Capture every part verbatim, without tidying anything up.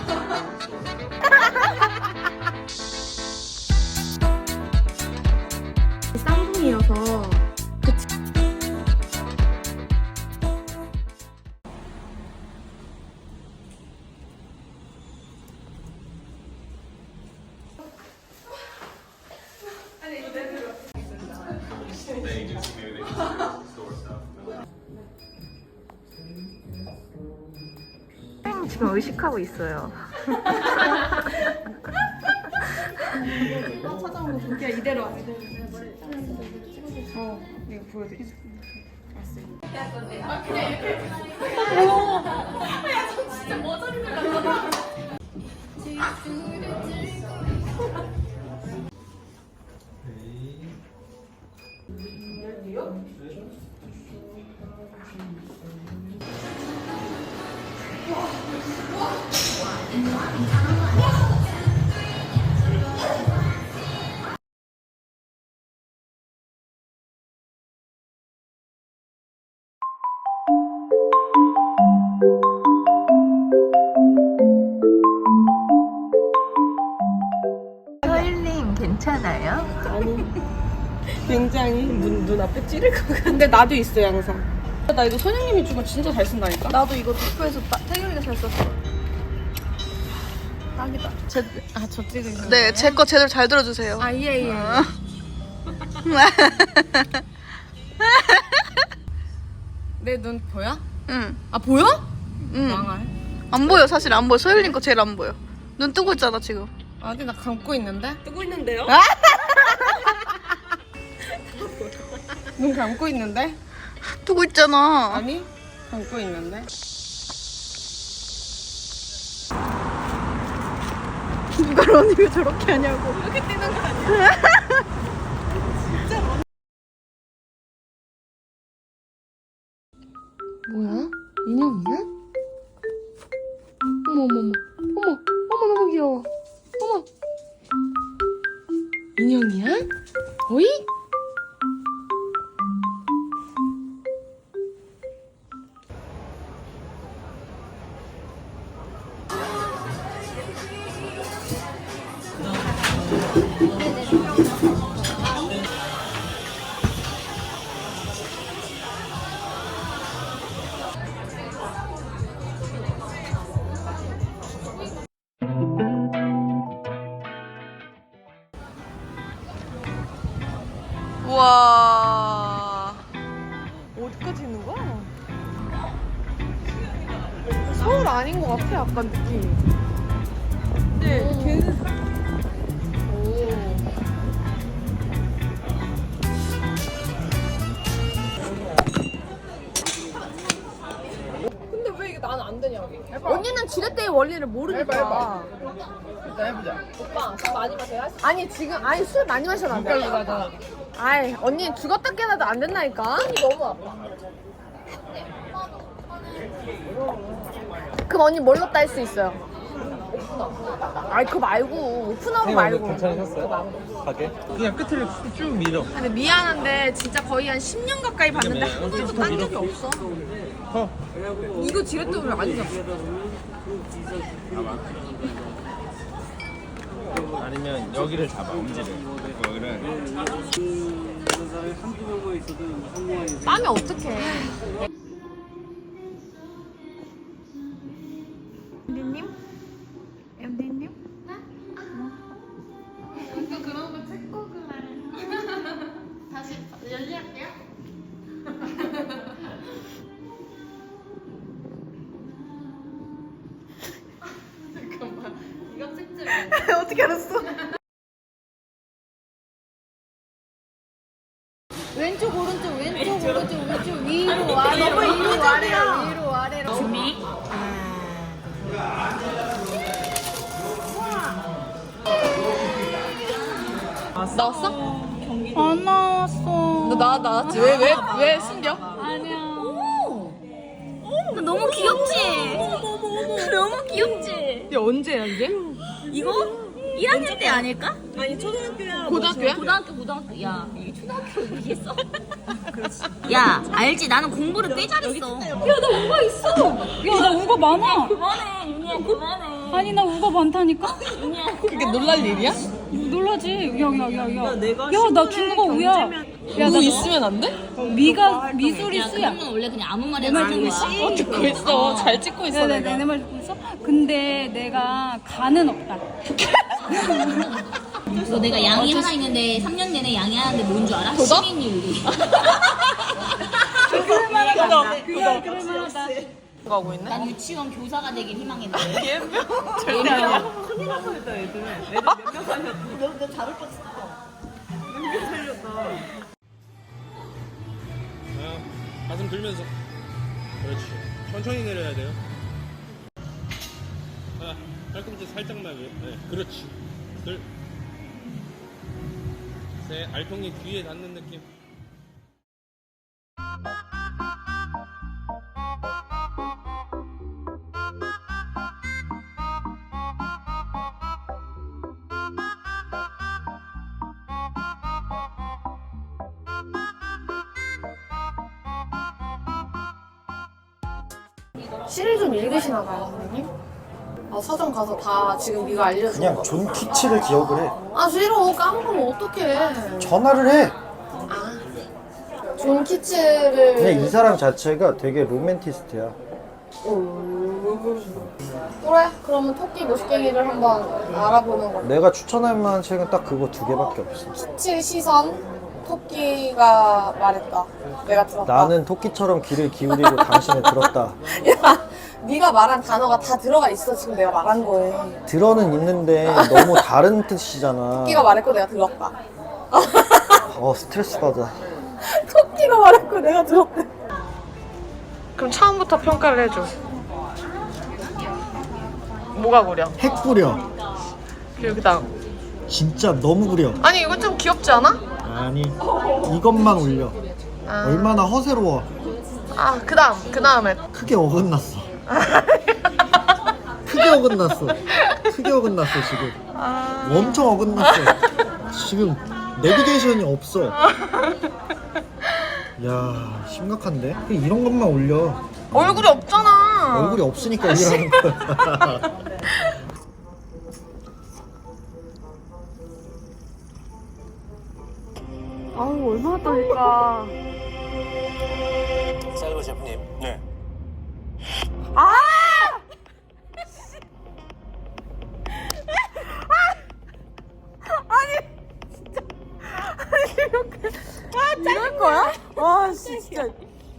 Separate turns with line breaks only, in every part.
쌍둥이여서 그치. 지금 의식하고 있어요.
찾아온 거 볼게요. 이대로 와. 어, 이거 보여드리죠. 아, 그냥 이렇게. 오! 야, 저 진짜 머저리 들어간다.
서일님 괜찮아요?
아니. 굉장히 눈, 눈앞에 찌를 것 같아. 근데 나도 있어요, 항상. 나 이거 선생님이 주고 진짜 잘 쓴다니까?
나도 이거 도쿄에서 태경이가 잘 썼어. 딱이다.
제, 아, 저 찍으세요?
네, 제 거 제대로 잘 들어주세요.
아, 예, 예.
어.
내 눈 보여?
응,
아, 보여?
응.
망할.
안 보여, 사실 안 보여. 소율님 거 제일 안 보여. 눈 뜨고 있잖아, 지금.
아니, 나 감고 있는데?
뜨고 있는데요?
눈 감고 있는데?
뜨고 있잖아.
아니, 감고 있는데?
누가 러닝을 저렇게 하냐고.
이렇게 뛰는 거 아니야? 뭐야? 인형이야? 어머 어머 어머 어머 어머 너무 귀여워. 어머 인형이야? 어이?
우와.
어디까지 있는 거야? 서울 아닌 것 같아 약간 느낌이. 근데 걔는 근데 왜 이게 나는 안 되냐고.
언니는 지렛대의 원리를 모르니까.
해봐, 일단 해보자.
오빠 술 많이 마셔야 할 수... 아니 지금 아니 술 많이 마셔도 안 돼.
색깔로 가자.
아이 언니 죽었다 깨나도 안 된다니까. 손이 너무 아파. 그럼 언니 뭘로 딸 수 있어요? 오픈업. 아이 그거 말고 오픈업 말고.
괜찮으셨어요? 가게? 그냥 끝을 쭉 밀어.
근데 미안한데 진짜 거의 한 십 년 가까이 봤는데 한 번도 딴 적이 없어.
허.
이거 지렛대를 아니잖아.
아니면 여기를 잡아, 엄지를. 여기를.
빠면 어떡해. 엠디님? 엠디님?
또 그런 거 찍고 그래. 다시 열리할게요. 잠깐만. 이거 찍지 마.
어떻게 알았어?
왼쪽 오른쪽 왼쪽 오른쪽 왼쪽 위로 아래로 위로 아래로 위로 아래로 준비 나왔어?
안 나왔어.
너 나, 나왔지? 왜, 왜, 왜 숨겨?
너무 귀엽지? 너무 귀엽지?
야, 언제야, 이게?
이거 일 학년 때 아닐까?
고등학교야?
고등학교, 고등학교. 야, 이게 초등학교 얘기했어? 야, 알지? 나는 공부를 꽤 잘했어. 야, 나 온 거 있어. 야, 나 온 거 많아. 그만해, 윤희. 윤희야 그만해.
아니 나 우가 많다니까.
그게 놀랄 일이야?
놀라지. 야야야야.
내가
야 나 중국어 우야. 야
뭐
나
있으면 안 돼?
미가 미소리
야
쓰야.
그런 건 원래 그냥 아무 말이나
말
하는
듣고
거야.
있어?
어, 듣고 있어. 잘 찍고 있어,
내가
내가.
내 말 듣고 있어? 근데 내가 간은 없다.
너 내가 양이 하나 있는데 삼 년 내내 양이 하나인데 뭔 줄 알아?
그거?
시민율이.
그럴만하다. 그거 그럴만하다.
가고 있네?
난 유치원 교사가 되길 희망했는데.
절대 아니야.
아, 가슴 들면서. 그렇지. 천천히 내려야 돼요. 아, 팔꿈치 살짝만 위. 네, 그렇지. 둘. 셋. 알통이 뒤에 닿는 느낌.
시를 좀 읽으시나 봐요, 선생님? 아, 서점 가서 다 지금 네가 알려줘.
그냥 존 키치를 기억을 해.
아, 싫어. 까먹으면 어떡해.
전화를 해.
존 키츠를.
그냥 이 사람 자체가 되게 로맨티스트야.
그래, 그러면 토끼 무식갱이를 한번 알아보는 걸로.
내가 추천할 만한 책은 딱 그거 두 개밖에 없어.
키츠 시선, 토끼가 말했다. 내가 들었다.
나는 토끼처럼 귀를 기울이고 당신을 들었다.
야, 네가 말한 단어가 다 들어가 있어. 지금 내가 말한 거에.
들어는 있는데 너무 다른 뜻이잖아.
토끼가 말했고 내가 들었다.
어, 스트레스 받아.
토끼가 말했고 내가 들었대.
그럼 처음부터 평가를 해줘. 뭐가 구려?
핵 구려.
그리고 그다음.
진짜 너무 구려.
아니 이거 좀 귀엽지 않아?
아니, 이것만 올려. 얼마나 허세로워.
아 그다음 그 다음에.
크게 어긋났어. 크게 어긋났어. 크게 어긋났어, 지금. 엄청 어긋났어. 지금 내비게이션이 없어. 야, 심각한데? 그냥 이런 것만 올려.
얼굴이 없잖아.
얼굴이 없으니까 올리라는 거야.
아우 얼마나 떨릴까.
사이버 셰프님. 네.
이럴 거야? 와, 진짜.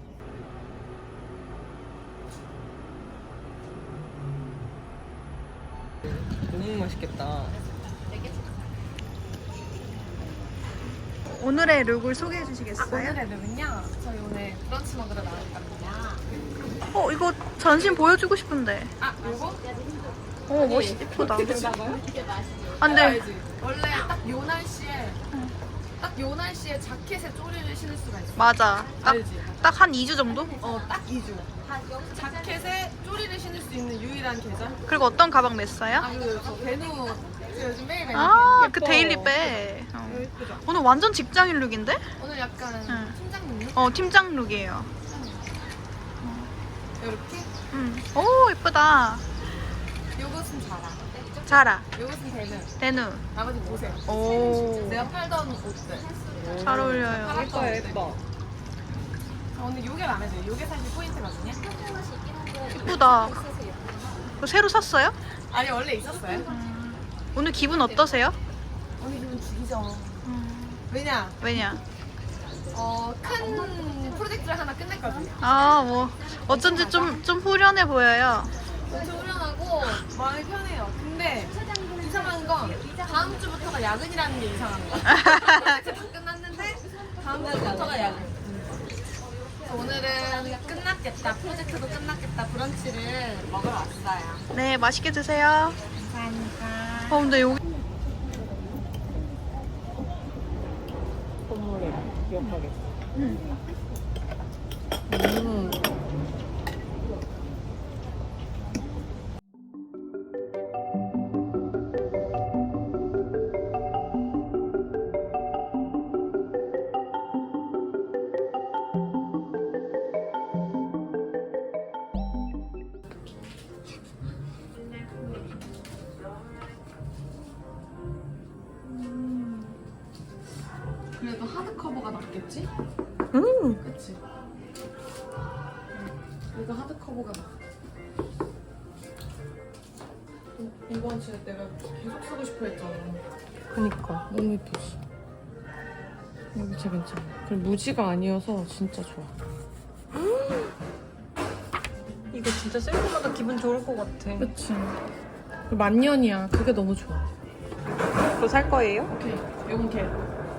너무 맛있겠다.
오늘의 룩을 소개해 주시겠어요?
오늘의 룩은요, 저희 오늘 브런치 먹으러 나왔거든요.
어 이거 전신 보여주고 싶은데.
아, 요거?
어 멋있 예쁘다. 안돼.
원래 딱 요 날씨에, 딱 요 날씨에 자켓에 쪼리를 신을 수가 있어.
맞아.
알지?
딱 한 이 주 정도?
어, 딱 이 주. 자켓에 쪼리를 신을 수 있는 유일한 계절?
그리고 어떤 가방 냈어요?
아, 그리고 저 베누, 그 요즘 매일 매일.
아 그 데일리백. 어. 오늘 완전 직장인 룩인데?
오늘 약간
응.
팀장님?
어 팀장 룩이에요.
이렇게?
음. 오 예쁘다.
요것은 자라.
자라.
요것은 베누.
데누.
나머지 보세요.
오.
내가 팔던 옷들.
잘 어울려요.
예뻐요, 예뻐. 오늘 요게 마음에 들어요. 요게 사실 포인트거든요.
예쁘다. 그거 새로 샀어요?
아니, 원래 있었어요.
오늘 기분 어떠세요?
오늘 기분 죽이죠.
음,
왜냐?
왜냐?
어, 큰 프로젝트를 하나 끝냈거든요.
아, 뭐 어쩐지 좀 좀 후련해 보여요.
엄청 후련하고 마음이 편해요. 근데 이상한 건 다음 주부터가 야근이라는 게 이상한 거야. 프로젝트 다 끝났는데 다음 주부터가 야근. 그래서 오늘은 끝났겠다. 프로젝트도 끝났겠다. 브런치를 먹으러 왔어요.
네, 맛있게 드세요.
감사합니다.
어, 근데 여기
그래도 하드 커버가 낫겠지?
음.
그치? 그래도 하드 커버가 나. 이번 주에 내가 계속 쓰고 싶어 했잖아.
그니까.
너무 예쁘지? 여기 진짜 괜찮아. 그리고 무지가 아니어서 진짜 좋아.
이거 진짜 쓸 때마다 기분 좋을 것 같아.
그치? 만년이야. 그게 너무 좋아.
그거 살 거예요?
오케이. 이건 걔.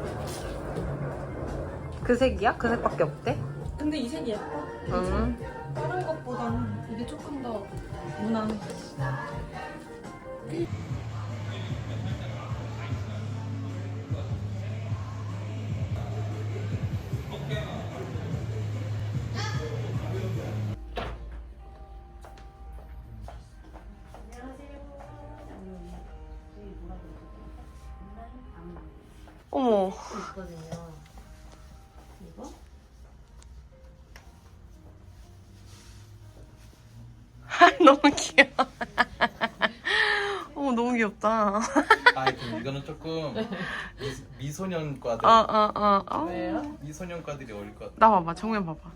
그 색이야? 그 색밖에 없대?
근데 이 색이 예뻐.
응.
다른 것보다는 이게 조금 더 무난해.
어머.
있거든요. 이거?
너무 귀여워. 어머, 너무 귀엽다.
아, 그럼 이거는 조금 미, 미소년과들
어, 어, 어. 어.
미소년과들이 어울릴 것 같아.
나 봐봐, 정면 봐봐.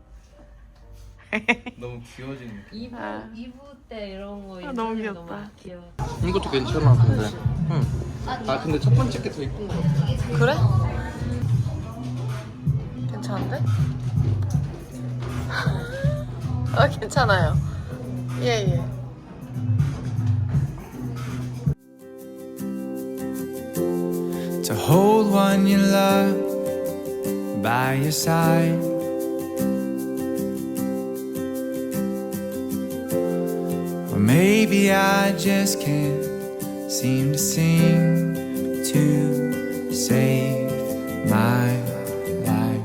너무 귀여워지는 느낌.
이브
아.
이브 때 이런 거
아, 너무
인터넷
귀엽다.
귀여워.
이것도 괜찮아, 근데. 응. 아, 근데 첫 번째 게 더 이쁜 것 같아.
그래? 괜찮은데? 아, 괜찮아요. 예, 예.
To hold one you love by your side. Or maybe I just can't seem to sing to save my life.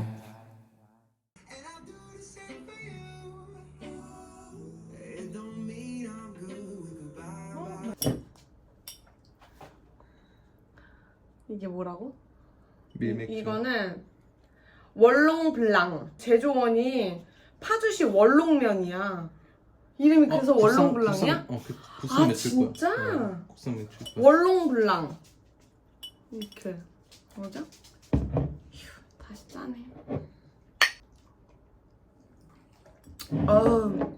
이게 뭐라고?
밀맥주.
이거는 월롱블랑. 제조원이 파주시 월롱면이야. 이름이 그래서 월롱블랑이야?
어, 그
아,
국산 맥주일 거야.
진짜?
어, 국산 맥주일 거야.
월롱블랑. 이렇게. 뭐죠? 휴, 다시 짜네. 어우.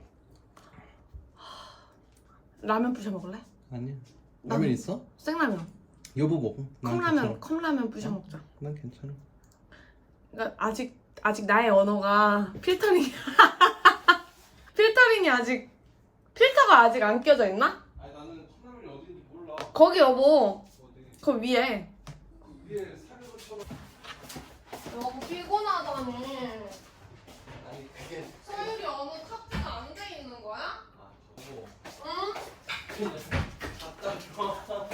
라면 부셔 먹을래?
아니야. 라면 있어?
생라면.
여보 먹어. 난
컵라면,
괜찮아.
컵라면 부셔 먹자.
난 괜찮아.
그러니까 아직 아직 나의 언어가 필터링 필터링이 아직 필터가 아직 안 껴져 있나?
아니 나는 컵라면이 어딘지 몰라.
거기 여보 그 위에
그 위에 사는 것처럼.
여보 피곤하다니
아니 그게.
서율이 어느 카페가 안 돼 있는 거야?
아 저거.
응?
갖다 줘.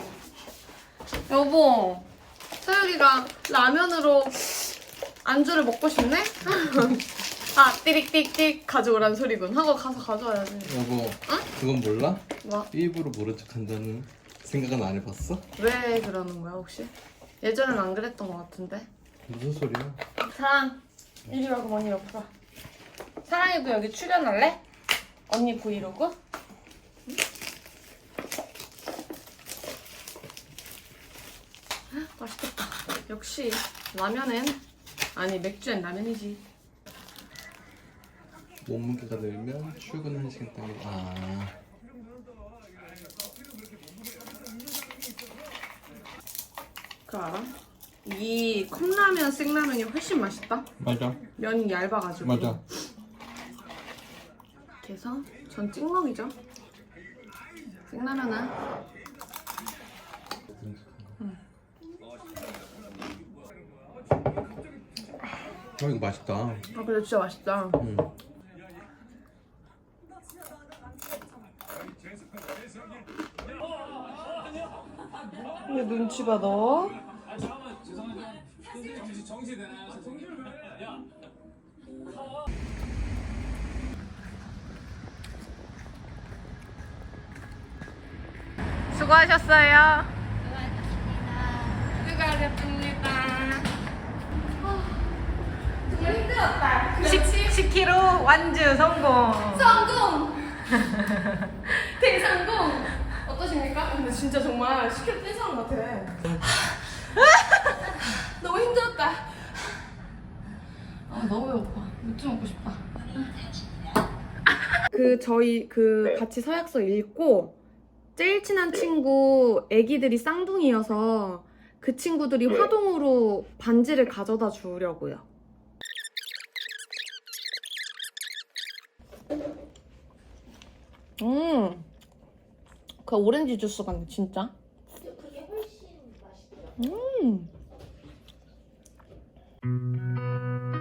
여보 서율이가 라면으로 안주를 먹고 싶네? 아 띠릭띠릭 가져오란 소리군 하고 가서 가져와야지.
여보. 그건 몰라?
뭐?
일부러 모른 척 한다는 생각은 안 해봤어?
왜 그러는 거야 혹시? 예전엔 안 그랬던 것 같은데.
무슨 소리야?
사랑 이리 와. 그럼 언니 옆으로 와. 사랑이도 여기 출연할래? 언니 브이로그? 응? 맛있겠다. 역시 라면엔 아니 맥주엔 라면이지.
몸무게가 늘면 출근 한 시간 당겨. 아.
그거 알아? 이 컵라면 생라면이 훨씬 맛있다.
맞아.
면이 얇아가지고.
맞아.
그래서 전 찍먹이죠. 생라면은
어 이거 맛있다.
아 근데 진짜 맛있다.
응.
왜 눈치 봐 너?
수고하셨어요.
수고하셨습니다. 힘들었다.
십 킬로그램 완주 성공.
성공! 대성공! 어떠십니까? 근데 진짜 정말 십 킬로그램 뗀 사람 같아. 너무 힘들었다. 아 너무 배고파. 맥주 먹고 싶다. 그 저희 그 같이 서약서 읽고 제일 친한 친구 애기들이 쌍둥이여서 그 친구들이 화동으로 반지를 가져다 주려고요. 음, 그 오렌지 주스 같네 진짜.
그게 훨씬 맛있더라고요.
음.